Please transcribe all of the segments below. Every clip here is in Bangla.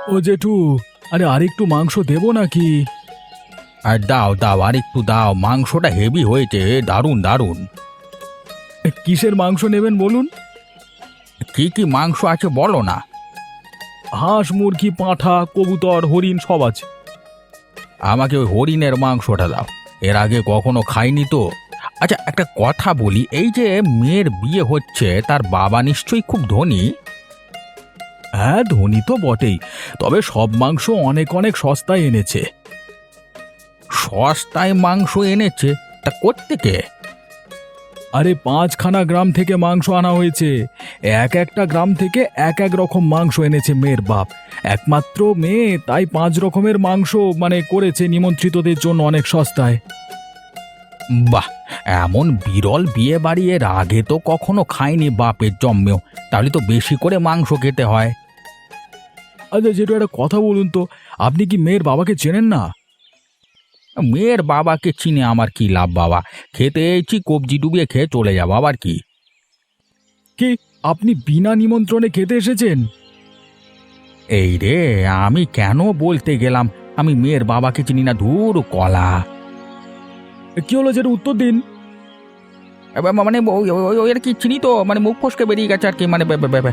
ও জেঠু, আরে আরেকটু মাংস দেবো নাকি? আর দাও দাও, আর একটু দাও, মাংসটা হেভি হয়েছে, দারুণ দারুণ। কিসের মাংস নেবেন বলুন? কি কি মাংস আছে বলো না। হাঁস, মুরগি, পাঁঠা, কবুতর, হরিণ সব আছে। আমাকে ওই হরিণের মাংসটা দাও, এর আগে কখনো খাইনি তো। আচ্ছা, একটা কথা বলি, এই যে মেয়ের বিয়ে হচ্ছে, তার বাবা নিশ্চয়ই খুব ধনী। হ্যাঁ, ধনী তো বটেই, তবে সব মাংস অনেক অনেক সস্তায় এনেছে। সস্তায় মাংস এনেছে? তা কোত্থেকে? আরে 5খানা গ্রাম থেকে মাংস আনা হয়েছে। এক একটা গ্রাম থেকে এক এক রকম মাংস এনেছে মেয়ের বাপ। একমাত্র মেয়ে, তাই 5 রকমের মাংস করেছে নিমন্ত্রিতদের জন্য অনেক সস্তায়। বাহ, এমন বিরল বিয়ে বাড়ি এর আগে তো কখনো খাইনি বাপের জন্মেও। তাহলে তো বেশি করে মাংস খেতে হয়। আচ্ছা যেটা একটা কথা বলুন তো, আপনি কি মেয়ের বাবাকে চেনেন না? মেয়ের বাবাকে চিনে আমার কি লাভ বাবা? খেতে এসেছি, কবজি ডুবিয়ে খেয়ে চলে যাবো, আবার কি? কি, আপনি বিনা নিমন্ত্রণে খেতে এসেছেন? এই রে, আমি কেন বলতে গেলাম আমি মেয়ের বাবাকে চিনি না, ধুর কলা। কি হলো, যেটা উত্তর দিন। মানে ওই আর কি, চিনি তো, মানে মুখ ফসকে বেরিয়ে গেছে আর কি, মানে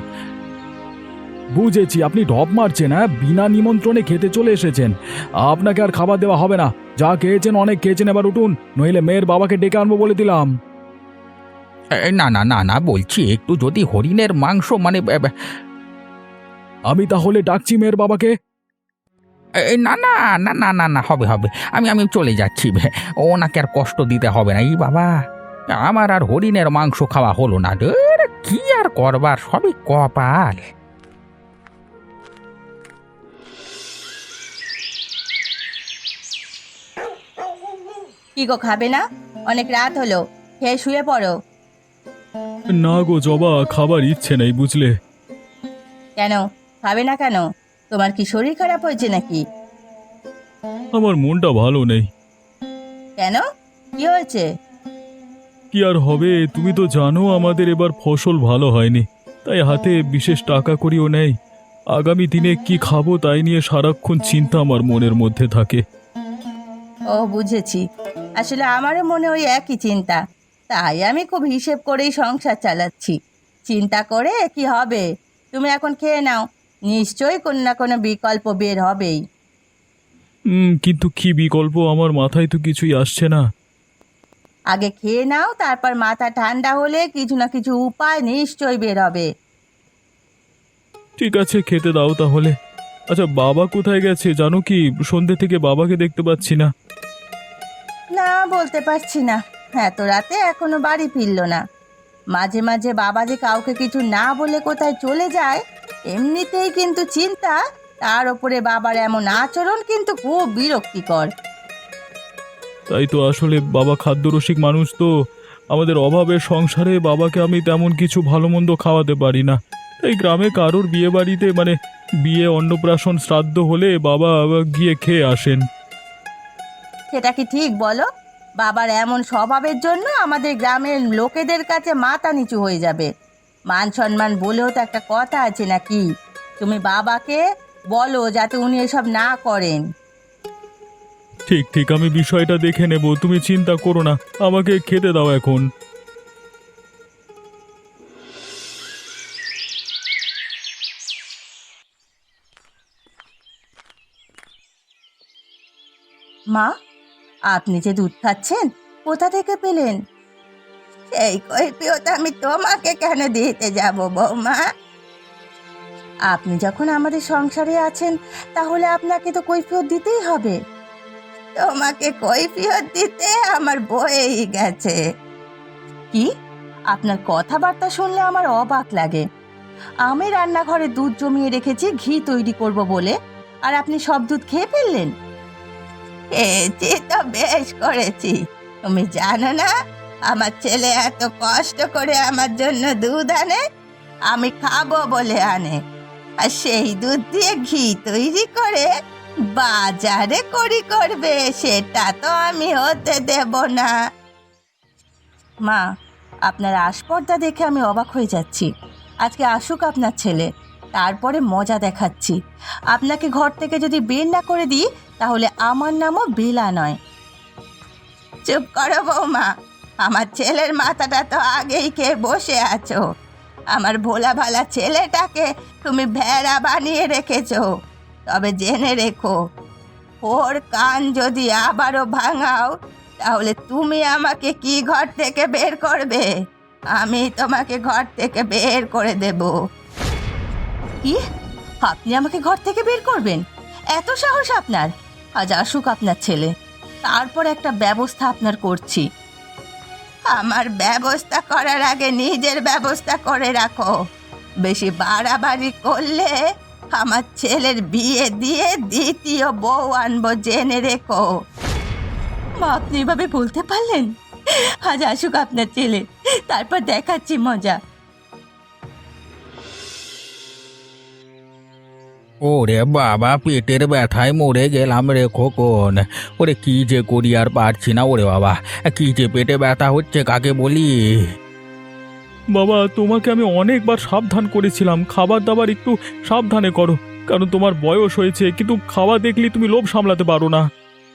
বুঝেছি, আপনি ঢপ মারছেন। হ্যাঁ, বিনা নিমন্ত্রণে খেতে চলে এসেছেন। আপনাকে আর খাবার দেওয়া হবে না। যা খেয়েছেন অনেক খেয়েছেন, এবার উঠুন, নইলে মেয়ের বাবাকে ডেকে আনবো বলে দিলাম। না না না না, বলছি একটু যদি হরিণের মাংস আমি তাহলে ডাকছি মেয়ের বাবাকে। না না না না না না, হবে হবে, আমি আমি চলে যাচ্ছি। ওনাকে আর কষ্ট দিতে হবে না। এই বাবা, আমার আর হরিণের মাংস খাওয়া হলো না। ধুর, কি আর করবার, সবই কপাল। কি গো, খাবে না? অনেক রাত হলো, খেয়ে শুয়ে পড়ো। না গো জবা, খাবার ইচ্ছে নেই বুঝলে। কেন খাবে না কেন? তোমার কি শরীর খারাপ হয়েছে নাকি? আমার মনটা ভালো নেই। কেন, কি হয়েছে? কি আর হবে, তুমি তো জানো আমাদের এবার ফসল ভালো হয়নি, তাই হাতে বিশেষ টাকা করিও নেই। আগামী দিনে কি খাবো তাই নিয়ে সারাক্ষণ চিন্তা আমার মনের মধ্যে থাকে। ও বুঝেছি, আসলে আমারও মনে ওই একই চিন্তা। তাই আমি খুব হিসেব করেই সংসার চালাচ্ছি। চিন্তা করে কি হবে? তুমি এখন খেয়ে নাও, নিশ্চয়ই কোনো না কোনো বিকল্প বের হবেই। কিন্তু কি বিকল্প, আমার মাথায় তো কিছুই আসছে না। আগে খেয়ে নাও, তারপর মাথা ঠান্ডা হলে কিছু না কিছু উপায় নিশ্চয়ই বের হবে। ঠিক আছে, খেতে দাও তাহলে। আচ্ছা, বাবা কোথায় গেছে জানো কি? সন্ধ্যে থেকে বাবাকে দেখতে পাচ্ছি না। না, বলতে পারছি না। এত রাতে এখনো বাড়ি ফিরলো না। মাঝে মাঝে বাবা যে কাউকে কিছু না বলে কোথায় চলে যায়, এমনিতেই কিন্তু চিন্তা, তার ওপরে বাবার এমন আচরণ কিন্তু খুব বিরক্তিকর। তাই তো, আসলে বাবা খাদ্যরসিক মানুষ তো। আমাদের অভাবের সংসারে বাবাকে আমি তেমন কিছু ভালো মন্দ খাওয়াতে পারি না। তাই গ্রামে কারোর বিয়ে বাড়িতে বিয়ে, অন্নপ্রাশন, শ্রাদ্ধ হলে বাবা গিয়ে খেয়ে আসেন। সেটা কি ঠিক বলো? বাবার এমন স্বভাবের জন্য আমাদের গ্রামের লোকেদের কাছে মাথা নিচু হয়ে যাবে। মান সম্মান বলেও তো একটা কথা আছে নাকি? তুমি বাবাকে বলো যাতে উনি এসব না করেন। ঠিক ঠিক, আমি বিষয়টা দেখে নেব, তুমি চিন্তা করো না। আমাকে খেতে দাও এখন। মা, আপনি যে দুধ খাচ্ছেন, কোথা থেকে পেলেন? সেই কৈফিয়ত আমি তোমাকে কেন দিতে যাব বৌমা? আপনি যখন আমাদের সংসারে আছেন, তাহলে আপনাকে তো কৈফিয়ত দিতেই হবে। তোমাকে কৈফিয়ত দিতে আমার বয়েই গেছে। কি, আপনার কথাবার্তা শুনলে আমার অবাক লাগে। আমি রান্নাঘরে দুধ জমিয়ে রেখেছি ঘি তৈরি করব বলে, আর আপনি সব দুধ খেয়ে ফেললেন। খেয়েছি তো বেশ করেছি। তুমি জানো না, আমার ছেলে এত কষ্ট করে আমার জন্য দুধ আনে, আমি খাবো বলে আনে। আর সেই দুধ দিয়ে ঘি তৈরি করে বাজারে করি করবে, সেটা তো আমি হতে দেব না। মা, আপনার আসপর্দা দেখে আমি অবাক হয়ে যাচ্ছি। আজকে আসুক আপনার ছেলে, তারপরে মজা দেখাচ্ছি। আপনাকে ঘর থেকে যদি বের না করে দিই তাহলে আমার নামও বেলা নয়। চুপ করো বৌমা, আমার ছেলের মাথাটা তো আগেই খেয়ে বসে আছো। আমার ভোলা ভালা ছেলেটাকে তুমি ভেড়া বানিয়ে রেখেছো। তবে জেনে রেখো, ওর কান যদি আবারও ভাঙাও তাহলে তুমি আমাকে কি ঘর থেকে বের করবে? আমি তোমাকে ঘর থেকে বের করে দেব। কি? আপনি আমাকে ঘর থেকে বের করবেন? এত সাহস আপনার? আজ আসুক আপনার ছেলে, তারপর একটা ব্যবস্থা আপনার করছি। আমার ব্যবস্থা করার আগে নিজের ব্যবস্থা করে রাখো। বেশি বাড়াবাড়ি করলে আমার ছেলের বিয়ে দিয়ে দ্বিতীয় বউ আনবো, জেনে রেখো। মা, আপনি এভাবে বলতে পারলেন? আজ আসুক আপনার ছেলে, তারপর দেখাচ্ছি মজা। ওরে বাবা, পেটের ব্যথায় মরে গেলাম রে খোকন। ওরে কি যে করি আর পারছি না। ওরে বাবা, কি যে পেটে ব্যথা হচ্ছে কাকে বলি। বাবা, তোমাকে আমি অনেকবার সাবধান করেছিলাম, খাবার দাবার একটু সাবধানে করো, কারণ তোমার বয়স হয়েছে, কিন্তু খাওয়া দেখলি তুমি লোভ সামলাতে পারো না।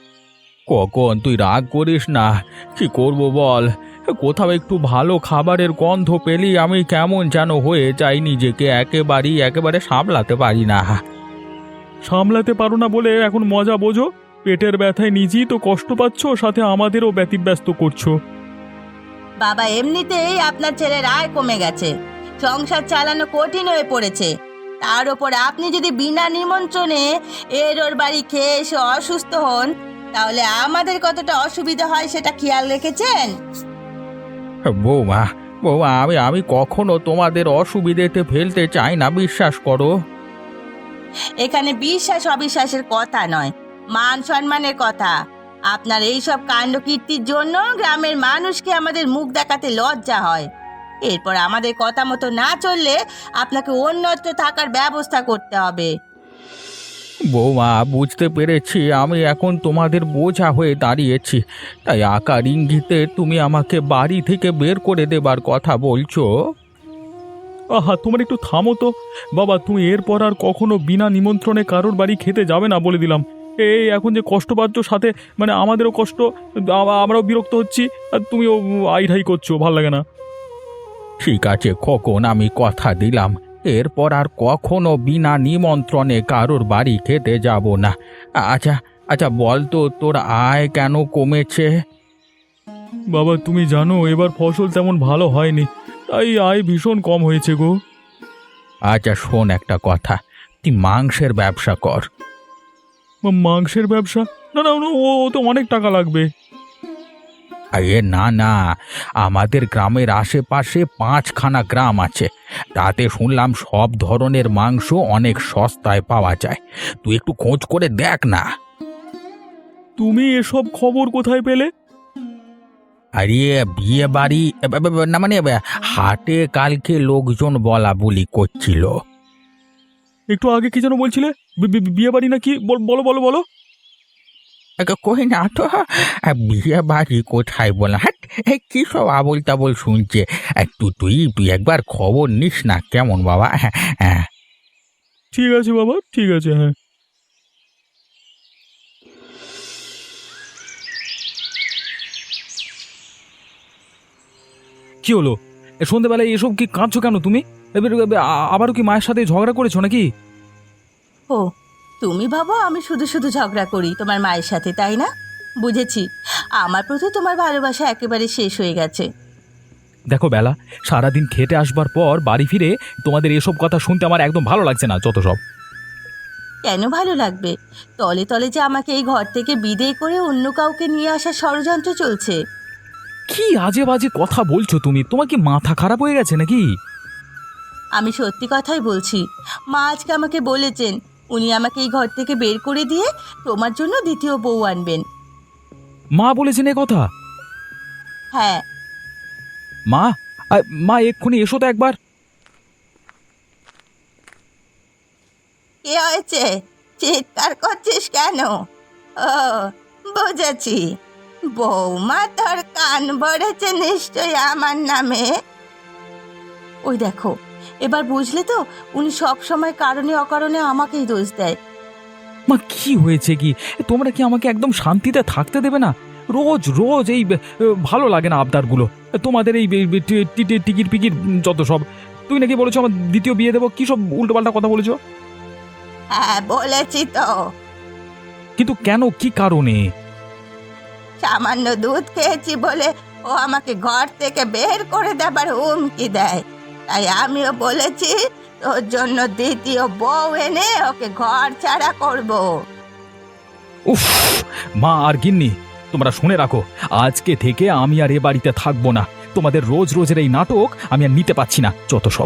কখন তুই রাগ করিস না, কি করব বল। কোথাও একটু ভালো খাবারের গন্ধ পেলি আমি কেমন যেন হয়ে যাই, নিজেকে একেবারে সামলাতে পারি না। সামলাতে পারো না বলে এখন মজা বোঝো? পেটের ব্যথায় নিজেই তো কষ্ট পাচ্ছ, সাথে আমাদেরও ব্যতিব্যস্ত করছো। বাবা, এমনিতেই আপনার ছেলের আয় কমে গেছে, সংসার চালানো কঠিন হয়ে পড়েছে। তার ওপর আপনি যদি বিনা নিমন্ত্রণে ওর বাড়ি খেয়ে এসে অসুস্থ হন তাহলে আমাদের কতটা অসুবিধা হয় সেটা খেয়াল রেখেছেন? বৌমা বৌমা, আমি কখনো তোমাদের অসুবিধেতে ফেলতে চাই না, বিশ্বাস করো। এখানে বিশ্বাস অবিশ্বাসের কথা নয়, মান সম্মানের কথা। আপনার এইসব কাণ্ড কীর্তির জন্য গ্রামের মানুষকে আমাদের মুখ দেখাতে লজ্জা হয়। এরপর আমাদের কথা মতো না চললে আপনাকে অন্যত্র থাকার ব্যবস্থা করতে হবে। বৌমা, বুঝতে পেরেছি আমি এখন তোমাদের বোঝা হয়ে দাঁড়িয়েছি, তাই আকার ইঙ্গিতে তুমি আমাকে বাড়ি থেকে বের করে দেবার কথা বলছো। আহা, তোমার একটু থামো তো বাবা। তুমি এরপর আর কখনো বিনা নিমন্ত্রণে কারোর বাড়ি খেতে যাবে না বলে দিলাম। এই এখন যে কষ্ট পাচ্ছ, সাথে মানে আমাদেরও কষ্ট, আমরাও বিরক্ত হচ্ছি, আর তুমিও আইঢাই করছো, ভাল লাগে না। ঠিক আছে খোকন, আমি কথা দিলাম এরপর আর কখনো বিনা নিমন্ত্রণে কারোর বাড়ি খেতে যাব না। আচ্ছা আচ্ছা, বল তো তোর আয় কেন কমেছে? বাবা, তুমি জানো এবার ফসল তেমন ভালো হয়নি, তাই আয় ভীষণ কম হয়েছে গো। আচ্ছা শোন একটা কথা, তুই মাংসের ব্যবসা কর। মাংসের ব্যবসা? না না, ও তো অনেক টাকা লাগবে। আরে না না, আমাদের গ্রামের আশেপাশে 5খানা গ্রাম আছে, তাতে শুনলাম সব ধরনের মাংস অনেক সস্তায় পাওয়া যায়। তুই একটু খোঁজ করে দেখ না। তুমি এসব খবর কোথায় পেলে? আরে বিয়ে বাড়ি না মানে হাটে কালকে লোকজন বলা বলি করছিল। একটু আগে কি যেন বলছিলে? বিয়ে বাড়ি নাকি? বলো বলো বলো। কই না তো, বিয়ে বাড়ি কোথায় বল, হ্যাঁ কি সব আবল তাবল শুনছে। তুই একবার খবর নিস না কেমন বাবা? হ্যাঁ হ্যাঁ, ঠিক আছে বাবা, ঠিক আছে, হ্যাঁ। কি হলো সন্ধেবেলায় এসব কি কাঁদছো কেন তুমি? এবার আবারও কি মায়ের সাথে ঝগড়া করেছো নাকি? ও, তুমি ভাবো আমি শুধু শুধু ঝগড়া করি তোমার মায়ের সাথে, তাই না? বুঝেছি, আমার প্রতি তোমার ভালোবাসা একেবারে শেষ হয়ে গেছে। দেখো বেলা, সারাদিন খেটে আসবার পর বাড়ি ফিরে তোমাদের এসব কথা শুনতে আমার একদম ভালো লাগছে না, যত সব। কেন ভালো লাগবে? তলে তলে যে আমাকে এই ঘর থেকে বিদেয় করে অন্য কাউকে নিয়ে আসার ষড়যন্ত্র চলছে। কি আজে বাজে কথা বলছো তুমি? তোমার কি মাথা খারাপ হয়ে গেছে নাকি? আমি সত্যি কথাই বলছি। মা আজকে আমাকে বলেছেন উনি আমাকে এই ঘর থেকে বের করে দিয়ে তোমার জন্য দ্বিতীয় বউ আনবেন। মা বলেছেন এ কথা? হ্যাঁ। মা, মা এক্ষুনি এসো তো একবার। কি হয়েছে? চিৎকার করছিস কেন? ও, বুঝেছি, বৌমা তোর কান ভরেছে নিশ্চয়ই আমার নামে। ওই দেখো, এবার বুঝলে তো, উনি সব সময় কারণে অকারণে আমাকেই দোষ দেয়। মা কি হয়েছে কি? তোমরা কি আমাকে একদম শান্তিতে থাকতে দেবে না? রোজ রোজ এই ভালো লাগে না আবদারগুলো। তোমাদের এই টিকিট পিকিট যত সব। তুই নাকি বলেছো আমার দ্বিতীয় বিয়ে দেবো, কি সব উল্টোপাল্টা কথা বলেছো? হ্যাঁ বলেছি তো। কিন্তু কেন, কি কারণে? সামান্য দুধ খেয়েছি বলে ও আমাকে ঘর থেকে বের করে দেবার হুমকি দেয়। তাই আমিও বলেছি তোর জন্য দ্বিতীয় বউ এনে ওকে ঘর ছাড়া করব। উফ! মা আর গিন্নি, তোমরা শুনে রাখো, আজকে থেকে আমি আর এ বাড়িতে থাকবো না। তোমাদের রোজ রোজের এই নাটক আমি আর নিতে পারছি না, যত সব।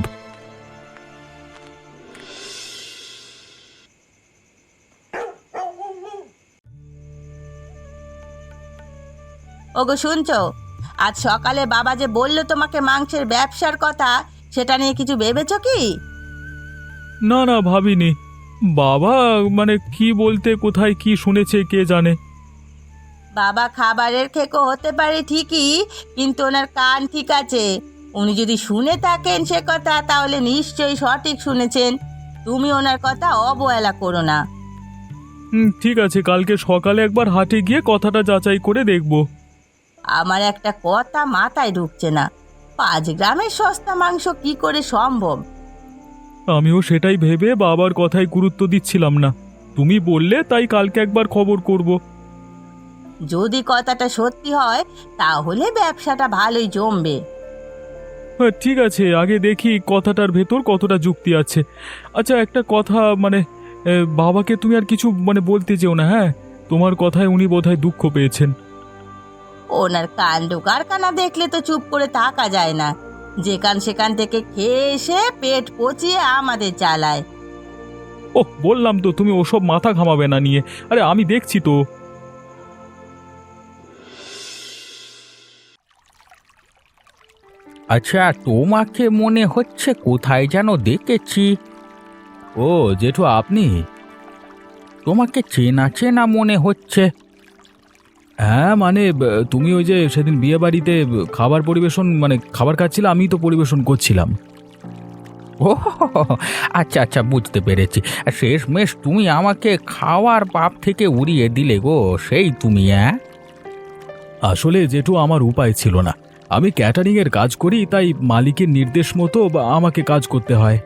ওগো শুনছো, আজ সকালে বাবা যে বললো তোমাকে মাংসের ব্যবসার কথা, সেটা নিয়ে কিছু ভেবেছো কি? না না, ভাবিনি। বাবা মানে কি বলতে, কোথায় কি শুনেছে কে জানে। বাবা খাবারের খেকো হতে পারে ঠিকই, কিন্তু ওনার কান ঠিক আছে। উনি যদি শুনে থাকেন সে কথা, তাহলে নিশ্চয়ই সঠিক শুনেছেন। তুমি ওনার কথা অবহেলা করো না। ঠিক আছে, কালকে সকালে একবার হাটে গিয়ে কথাটা যাচাই করে দেখব। আমার একটা কথা মাথায় ঢুকছে না, 5 গ্রামের সস্তা মাংস কি করে সম্ভব? আমিও সেটাই ভেবে বাবার কথায় গুরুত্ব দিচ্ছিলাম না। তুমি বললে তাই কালকে একবার খবর করব। যদি কথাটা সত্যি হয় তাহলে ব্যবসাটা ভালোই জমবে। হ্যাঁ ঠিক আছে, আগে দেখি কথাটার ভেতর কতটা যুক্তি আছে। আচ্ছা একটা কথা, মানে বাবাকে তুমি আর কিছু মানে বলতে যেও না, হ্যাঁ? তোমার কথায় উনি বোধহয় দুঃখ পেয়েছেন। ওনার কাণ্ড কারখানা দেখলে তো চুপ করে থাকা যায় না। যেখান সেখান থেকে খেয়ে এসে পেট পচিয়ে আমাদের চালায়। ওহ, বললাম তো তুমি ওসব মাথা ঘামাবে না নিয়ে। আরে আমি দেখছি তো। আচ্ছা, তোমাকে মনে হচ্ছে কোথায় যেন দেখেছি। ও জেঠু, আপনি? তোমাকে চেনা চেনা মনে হচ্ছে। হ্যাঁ মানে তুমি ওই যে সেদিন বিয়ে বাড়িতে খাবার পরিবেশন, মানে খাবার খাচ্ছিলে, আমি তো পরিবেশন করছিলাম। ও আচ্ছা আচ্ছা, বুঝতে পেরেছি। শেষমেশ তুমি আমাকে খাওয়ার পাপ থেকে উড়িয়ে দিলে গো, সেই তুমি? হ্যাঁ, আসলে জেঠু আমার উপায় ছিল না। আমি ক্যাটারিং এর কাজ করি, তাই মালিকের নির্দেশ মতো আমাকে কাজ করতে হয়।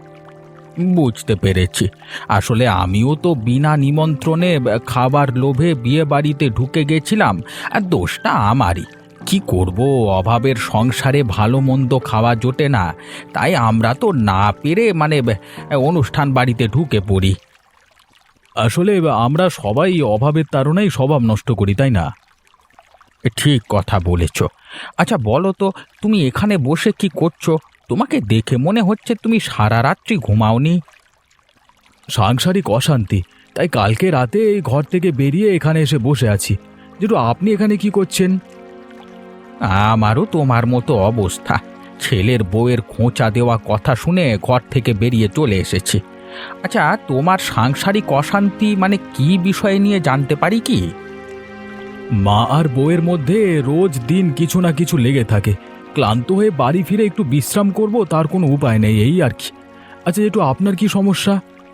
বুঝতে পেরেছি। আসলে আমিও তো বিনা নিমন্ত্রণে খাবার লোভে বিয়ে বাড়িতে ঢুকে গেছিলাম, আর দোষটা আমারই। কি করব, অভাবের সংসারে ভালো মন্দ খাওয়া জোটে না, তাই আমরা তো না পেরে মানে অনুষ্ঠান বাড়িতে ঢুকে পড়ি। আসলে আমরা সবাই অভাবের তাড়নায় স্বভাব নষ্ট করি, তাই না? ঠিক কথা বলেছ। আচ্ছা বলো তো, তুমি এখানে বসে কি করছো? তোমাকে দেখে মনে হচ্ছে তুমি সারা রাত্রি ঘুমাওনি। সাংসারিক অশান্তি, তাই কালকে রাতে এই ঘর থেকে বেরিয়ে এখানে এসে বসে আছি। জেঠু, আপনি এখানে কি করছেন? আমারও তোমার মতো অবস্থা। ছেলের বউয়ের খোঁচা দেওয়া কথা শুনে ঘর থেকে বেরিয়ে চলে এসেছি। আচ্ছা, তোমার সাংসারিক অশান্তি মানে কি বিষয় নিয়ে জানতে পারি কি? মা আর বউয়ের মধ্যে রোজ দিন কিছু না কিছু লেগে থাকে। ক্লান্ত হয়ে বাড়ি ফিরে একটু বিশ্রাম করব, তার কোনো উপায় নেই, এই আর কি। আচ্ছা জেঠু, আপনার কি সমস্যা?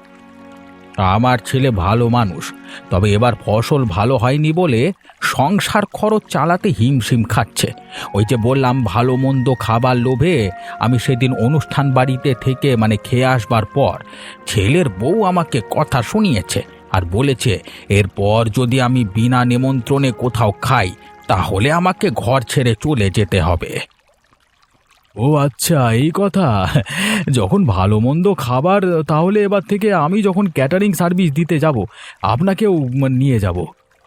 আমার ছেলে ভালো মানুষ, তবে এবার ফসল ভালো হয়নি বলে সংসার খরচ চালাতে হিমশিম খাচ্ছে। ওই যে বললাম, ভালো মন্দ খাবার লোভে আমি সেদিন অনুষ্ঠান বাড়িতে থেকে মানে খেয়ে আসবার পর ছেলের বউ আমাকে কথা শুনিয়েছে আর বলেছে এরপর যদি আমি বিনা নিমন্ত্রণে কোথাও খাই তাহলে আমাকে ঘর ছেড়ে চলে যেতে হবে। ও আচ্ছা, এই কথা। যখন ভালো মন্দ খাবার, তাহলে এবার থেকে আমি যখন ক্যাটারিং সার্ভিস দিতে যাব, আপনাকেও নিয়ে যাব।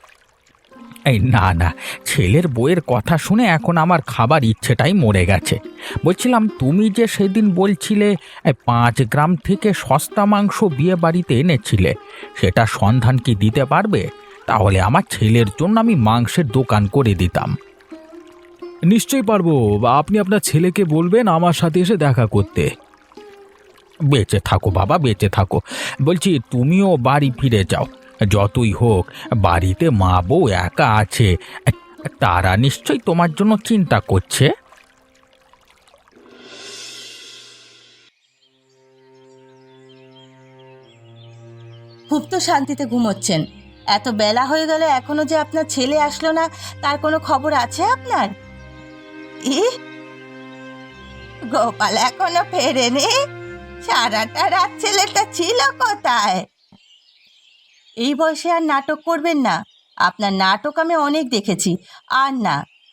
এই না না, ছেলের বউয়ের কথা শুনে এখন আমার খাবার ইচ্ছেটাই মরে গেছে। বলছিলাম, তুমি যে সেদিন বলছিলে 5 গ্রাম থেকে সস্তা মাংস বিয়ে বাড়িতে এনেছিলে, সেটা সন্ধান কি দিতে পারবে? তাহলে আমার ছেলের জন্য আমি মাংসের দোকান করে দিতাম। নিশ্চয়ই পারবো। আপনি আপনার ছেলেকে বলবেন আমার সাথে এসে দেখা করতে। বেঁচে থাকো বাবা, বেঁচে থাকো। বলছি, তুমিও বাড়ি ফিরে যাও। যতই হোক বাড়িতে মা বউ একা আছে, তারা নিশ্চয়ই তোমার জন্য চিন্তা করছে। খুব তো শান্তিতে ঘুমোচ্ছেন। এত বেলা হয়ে গেল এখনো যে আপনার ছেলে আসলো না, তার কোনো খবর আছে আপনার? ই গোপাল এখনো ফেরেনি? সারাটা রাত ছেলেটা ছিল কোথায়? এই বয়সে আর নাটক করবেন না। আপনার নাটক আমি অনেক দেখেছি, আর না।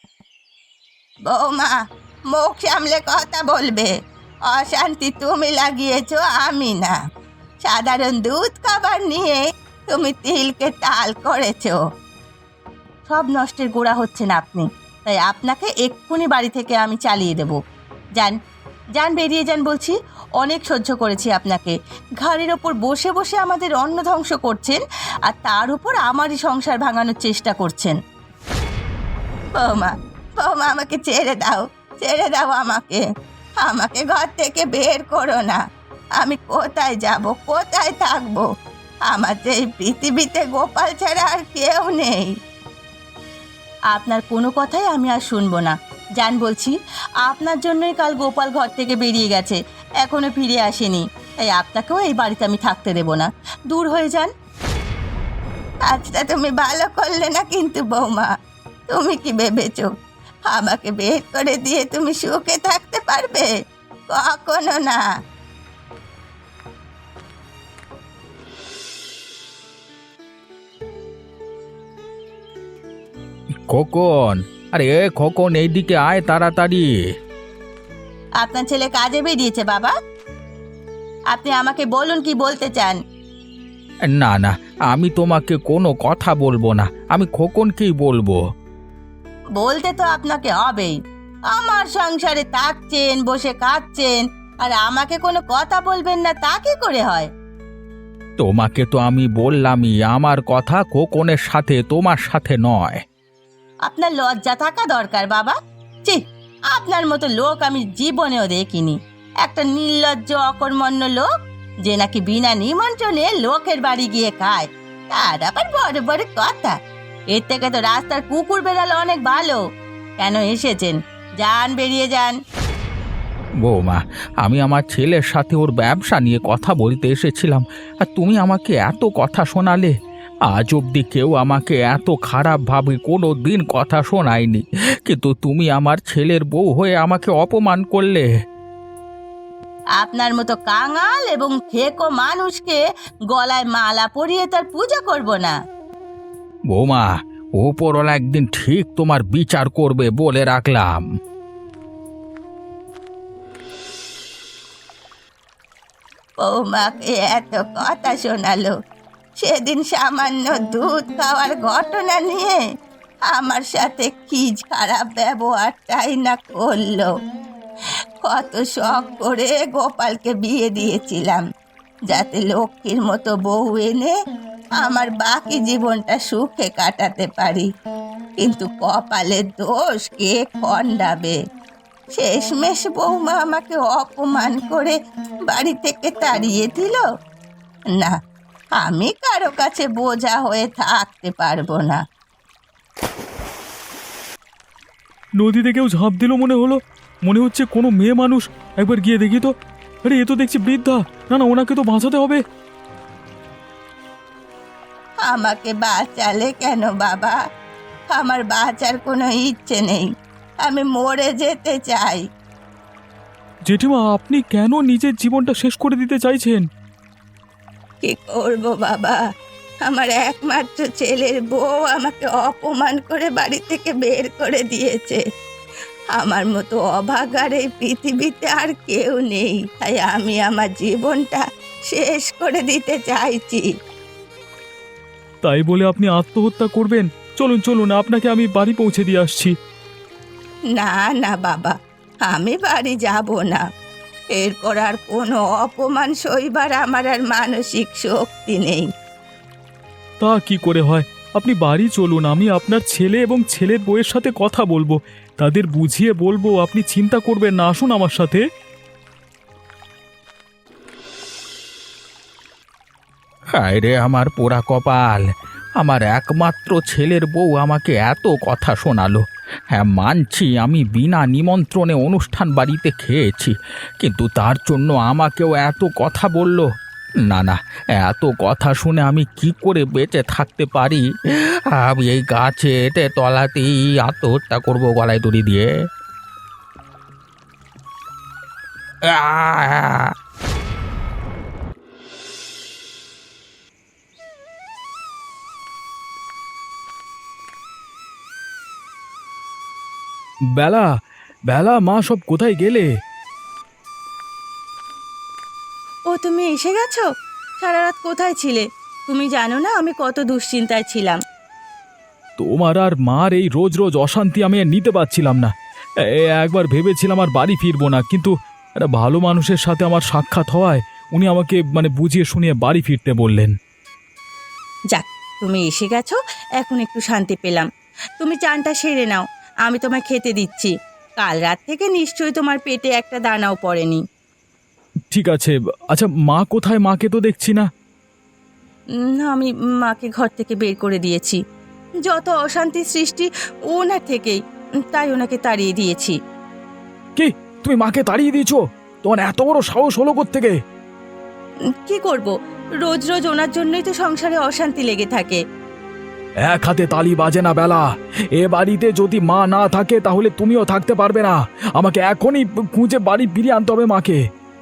বৌমা, মুখ সামলে কথা বলবে। অশান্তি তুমি লাগিয়েছো, আমি না। সাধারণ দুধ খাবার নিয়ে তুমি তিলকে তাল করেছো। সব নষ্টের গোড়া হচ্ছেন আপনি, তাই আপনাকে এক্ষুনি বাড়ি থেকে আমি চালিয়ে দেব। যান, যান, বেরিয়ে যান বলছি। অনেক সহ্য করেছি আপনাকে। ঘাড়ের ওপর বসে বসে আমাদের অন্ন ধ্বংস করছেন, আর তার উপর আমারই সংসার ভাঙানোর চেষ্টা করছেন। বৌমা, বৌমা, আমাকে ছেড়ে দাও, ছেড়ে দাও আমাকে। আমাকে ঘর থেকে বের করো না। আমি কোথায় যাব, কোথায় থাকবো? আমার যে এই পৃথিবীতে গোপাল ছাড়া আর কেউ নেই। আপনার কোনো কথাই আমি আর শুনবো না। যান বলছি। আপনার জন্যই কাল গোপাল ঘর থেকে বেরিয়ে গেছে, এখনো ফিরে আসেনি। তাই আপনাকেও এই বাড়িতে আমি থাকতে দেব না। দূর হয়ে যান। কাজটা তুমি ভালো করলে না কিন্তু বৌমা। তুমি কি ভেবেছো আমাকে বের করে দিয়ে তুমি সুখে থাকতে পারবে? কখনো না। খোকন, আরে খোকন, এইদিকে আয় তাড়াতাড়ি। আপনার ছেলে কাজে বেরিয়েছে বাবা। আপনি আমাকে বলুন কি বলতে চান। না না, আমি তোমাকে কোনো কথা বলবো না, আমি খোকনকেই বলবো। বলতে তো আপনাকে হবেই। আমার সংসারে থাকছেন, বসে খাচ্ছেন, আর আমাকে কোনো কথা বলবেন না, তা কি করে হয়? তোমাকে তো আমি বললামই, আমার কথা খোকনের সাথে, তোমার সাথে নয়। আপনার লজ্জা থাকা দরকার বাবা। ছি, আপনার মতো লোক আমি জীবনেও দেখিনি। একটা নির্লজ্জ অকর্মণ্য লোক, যে নাকি বিনা নিমন্ত্রণে লোকের বাড়ি গিয়ে খায়, তার আবার বড় বড় কথা। এর থেকে তো রাস্তার কুকুর বেড়ালে অনেক ভালো। কেন এসেছেন? যান, বেরিয়ে যান। বৌমা, আমি আমার ছেলের সাথে ওর ব্যবসা নিয়ে কথা বলতে এসেছিলাম, আর তুমি আমাকে এত কথা শোনালে। আজ অবধি কেউ আমাকে এত খারাপভাবে কোনো দিন কথা শোনায়নি, কিন্তু তুমি আমার ছেলের বউ হয়ে আমাকে অপমান করলে। আপনার মতো কাঙাল এবং খেকো মানুষকে গলায় মালা পরিয়ে তার পূজা করব না। বৌমা, ওপরওয়ালা একদিন ঠিক তোমার বিচার করবে বলে রাখলাম। বৌমাকে এত কথা শোনালো, সেদিন সামান্য দুধ খাওয়ার ঘটনা নিয়ে আমার সাথে কি খারাপ ব্যবহারটাই না করলো। কত শখ করে গোপালকে বিয়ে দিয়েছিলাম, যাতে লক্ষ্মীর মতো বউ এনে আমার বাকি জীবনটা সুখে কাটাতে পারি। কিন্তু কপালের দোষ কে খণ্ডাবে? শেষমেশ বৌমা আমাকে অপমান করে বাড়ি থেকে তাড়িয়ে দিল। না, আমি কারো কাছে বোঝা হয়ে থাকতে পারবো না। নদীতে কেউ ঝাঁপ দিল মনে হলো। মনে হচ্ছে কোনো মেয়ে মানুষ। একবার গিয়ে দেখি তো। আরে এ তো দেখছি বৃদ্ধা। না না, ওনাকে তো বাঁচাতে হবে। আমাকে বাঁচালে কেন বাবা? আমার বাঁচার কোনো ইচ্ছে নেই। আমি মরে যেতে চাই। জেঠিমা, আপনি কেন নিজের জীবনটা শেষ করে দিতে চাইছেন? কি করব বাবা? আমার একমাত্র ছেলের বউ আমাকে অপমান করে বাড়ি থেকে বের করে দিয়েছে। আমার মতো অভাগার এই পৃথিবীতে আর কেউ নেই, তাই আমি আমার জীবনটা শেষ করে দিতে চাইছি। তাই বলে আপনি আত্মহত্যা করবেন? চলুন চলুন, আপনাকে আমি বাড়ি পৌঁছে দিয়ে আসছি। না না বাবা, আমি বাড়ি যাব না। এরপর আর কোনো অপমান সইবার আমার আর মানসিক শক্তি নেই। তা কি করে হয়? আপনি বাড়ি চলুন, আমি আপনার ছেলে এবং ছেলের বউয়ের সাথে কথা বলবো, তাদের বুঝিয়ে বলবো। আপনি চিন্তা করবেন না, আসুন আমার সাথে। হায় রে আমার পোড়া কপাল! আমার একমাত্র ছেলের বউ আমাকে এত কথা শোনালো। হ্যাঁ, মানছি আমি বিনা নিমন্ত্রণে অনুষ্ঠান বাড়িতে খেয়েছি, কিন্তু তার জন্য আমাকেও এত কথা বলল। না না, এত কথা শুনে আমি কি করে বেঁচে থাকতে পারি? আমি এই গাছে এটে তলাতেই আত্মহত্যা করবো গলায় দড়ি দিয়ে। আহ! বেলা, বেলা, মা সব কোথায় গেলে? ও তুমি এসে গেছো? সারা রাত কোথায় ছিলে? তুমি জানো না আমি কত দুশ্চিন্তায় ছিলাম। তোমার আর মার এই রোজ রোজ অশান্তি আমি আর নিতে পারছিলাম না। একবার ভেবেছিলাম আর বাড়ি ফিরবো না, কিন্তু একটা ভালো মানুষের সাথে আমার সাক্ষাৎ হওয়ায় উনি আমাকে বুঝিয়ে শুনিয়ে বাড়ি ফিরতে বললেন। যাক, তুমি এসে গেছো, এখন একটু শান্তি পেলাম। তুমি চানটা সেরে নাও, আমি তোমায় খেতে দিচ্ছি। কাল রাত থেকে নিশ্চয়ই তোমার পেটে একটা দানাও পড়েনি। ঠিক আছে। আচ্ছা, মা কোথায়? মাকে তো দেখছি না। আমি মাকে ঘর থেকে বের করে দিয়েছি। যত অশান্তি সৃষ্টি ওনার থেকেই, তাই ওনাকে তাড়িয়ে দিয়েছি। কি, তুমি মাকে তাড়িয়ে দিয়েছো? তোমার এত বড় সাহস হলো কোত্থেকে? কি করব, রোজ রোজ ওনার জন্যই তো সংসারে অশান্তি লেগে থাকে। এক হাতে তালি বাজে না বেলা। এ বাড়িতে যদি মা না থাকে তাহলে তুমিও থাকতে পারবে না। আমাকে এখনই খুঁজে বাড়ি ফিরিয়ে আনতে হবে মাকে।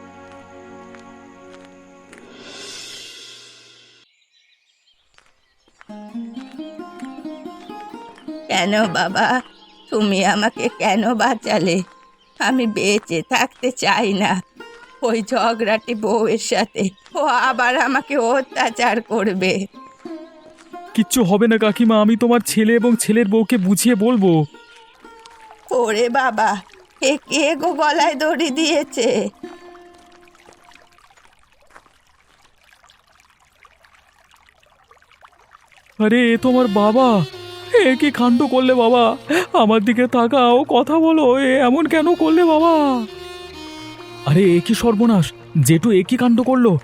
কেন বাবা, তুমি আমাকে কেন বাঁচালে? আমি বেঁচে থাকতে চাই না। ওই ঝগড়াটি বউয়ের সাথে, ও আবার আমাকে অত্যাচার করবে। কিচ্ছু হবে না কাকিমা, আমি তোমার ছেলে এবং ছেলের বউকে বুঝিয়ে বলবো। ওরে বাবা, এ কে গো গলায় দড়ি দিয়েছে? আরে, এ তোমার বাবা! এ কি কাণ্ড করলে বাবা? আমার দিকে তাকাও, কথা বলো। এমন কেন করলে বাবা? আরে, এ কি সর্বনাশ! জেঠু এ কি কাণ্ড করলো?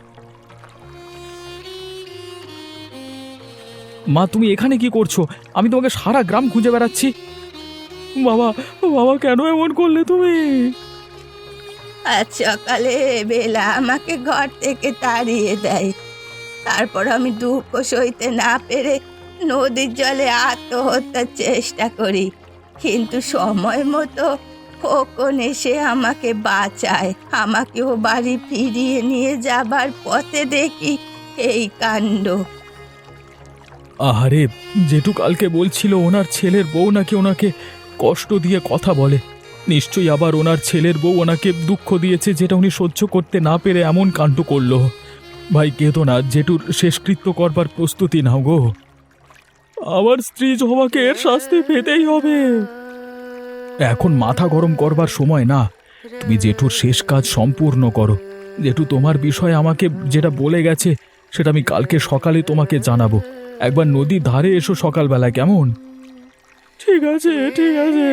মা, তুমি এখানে কি করছো? আমি তোমাকে সারা গ্রাম খুঁজে বেড়াচ্ছি। বাবা, বাবা, কেন এমন করলে তুমি? আজ সকালে বেলা আমাকে ঘর থেকে তাড়িয়ে দেয়। তারপর আমি দুঃখ সইতে না পেরে নদীর জলে আত্মহত্যার চেষ্টা করি, কিন্তু সময় মতো খোকন এসে আমাকে বাঁচায়। আমাকেও বাড়ি ফিরিয়ে নিয়ে যাবার পথে দেখি এই কাণ্ড। আহারে, জেঠু কালকে বলছিল ওনার ছেলের বউ নাকি ওনাকে কষ্ট দিয়ে কথা বলে। নিশ্চয়ই আবার ওনার ছেলের বউ ওনাকে দুঃখ দিয়েছে, যেটা উনি সহ্য করতে না পেরে এমন কাণ্ড করলো। ভাই, কেঁদো না, জেঠুর শেষকৃত্য করবার প্রস্তুতি নাও গো। আমার স্ত্রী জমাকে এর শাস্তি পেতেই হবে। এখন মাথা গরম করবার সময় না। তুমি জেঠুর শেষ কাজ সম্পূর্ণ করো। জেঠু তোমার বিষয়ে আমাকে যেটা বলে গেছে সেটা আমি কালকে সকালে তোমাকে জানাবো। একবার নদীর ধারে এসো সকালবেলা, কেমন? ঠিক আছে, ঠিক আছে।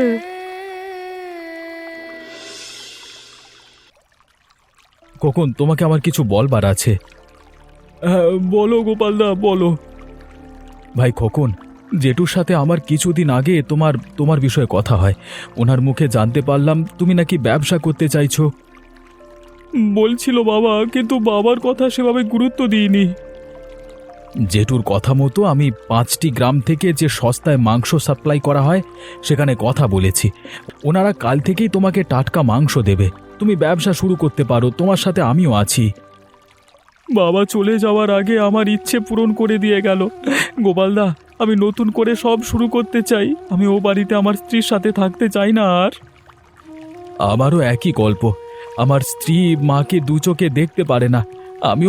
কখন তোমাকে আমার কিছু বলবার আছে। বলো গোপালদা, বলো। ভাই খোকন, জেঠুর সাথে আমার কিছুদিন আগে তোমার বিষয়ে কথা হয়। ওনার মুখে জানতে পারলাম তুমি নাকি ব্যবসা করতে চাইছো। বলছিল বাবা, কিন্তু বাবার কথা সেভাবে গুরুত্ব দিইনি। জেঠুর কথা মতো আমি 5টি গ্রাম থেকে যে সস্তায় মাংস সাপ্লাই করা হয় সেখানে কথা বলেছি। ওনারা কাল থেকেই তোমাকে টাটকা মাংস দেবে। তুমি ব্যবসা শুরু করতে পারো, তোমার সাথে আমিও আছি। বাবা চলে যাওয়ার আগে আমার ইচ্ছে পূরণ করে দিয়ে গেল। গোপালদা, আমি নতুন করে সব শুরু করতে চাই। আমি ও বাড়িতে আমার স্ত্রীর সাথে থাকতে চাই না আর। আমারও একই গল্প। আমার স্ত্রী মাকে দু চোখে দেখতে পারে না। আমিও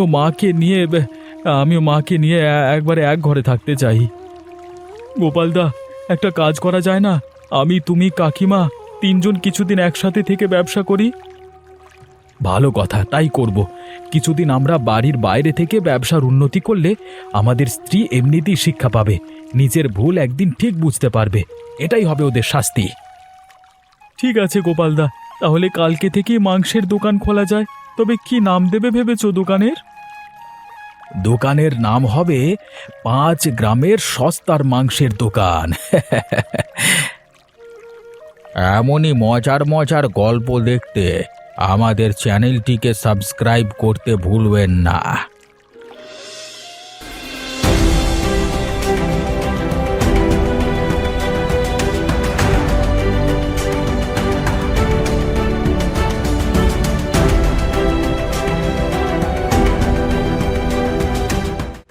মাকে নিয়ে একবারে এক ঘরে থাকতে চাই। গোপালদা, একটা কাজ করা যায় না? আমি, তুমি, কাকিমা 3 জন কিছুদিন একসাথে থেকে ব্যবসা করি। ভালো কথা, তাই করব। কিছুদিন আমরা বাড়ির বাইরে থেকে ব্যবসার উন্নতি করলে আমাদের স্ত্রী এমনিতেই শিক্ষা পাবে। নিজের ভুল একদিন ঠিক বুঝতে পারবে। এটাই হবে ওদের শাস্তি। ঠিক আছে গোপালদা, তাহলে কালকে থেকে মাংসের দোকান খোলা যায়। তবে কি নাম দেবে ভেবেছো দোকানের? দোকানের নাম হবে 5 গ্রামের সস্তার মাংসের দোকান। এমনই মজার মজার গল্প দেখতে আমাদের চ্যানেলটিকে সাবস্ক্রাইব করতে ভুলবেন না।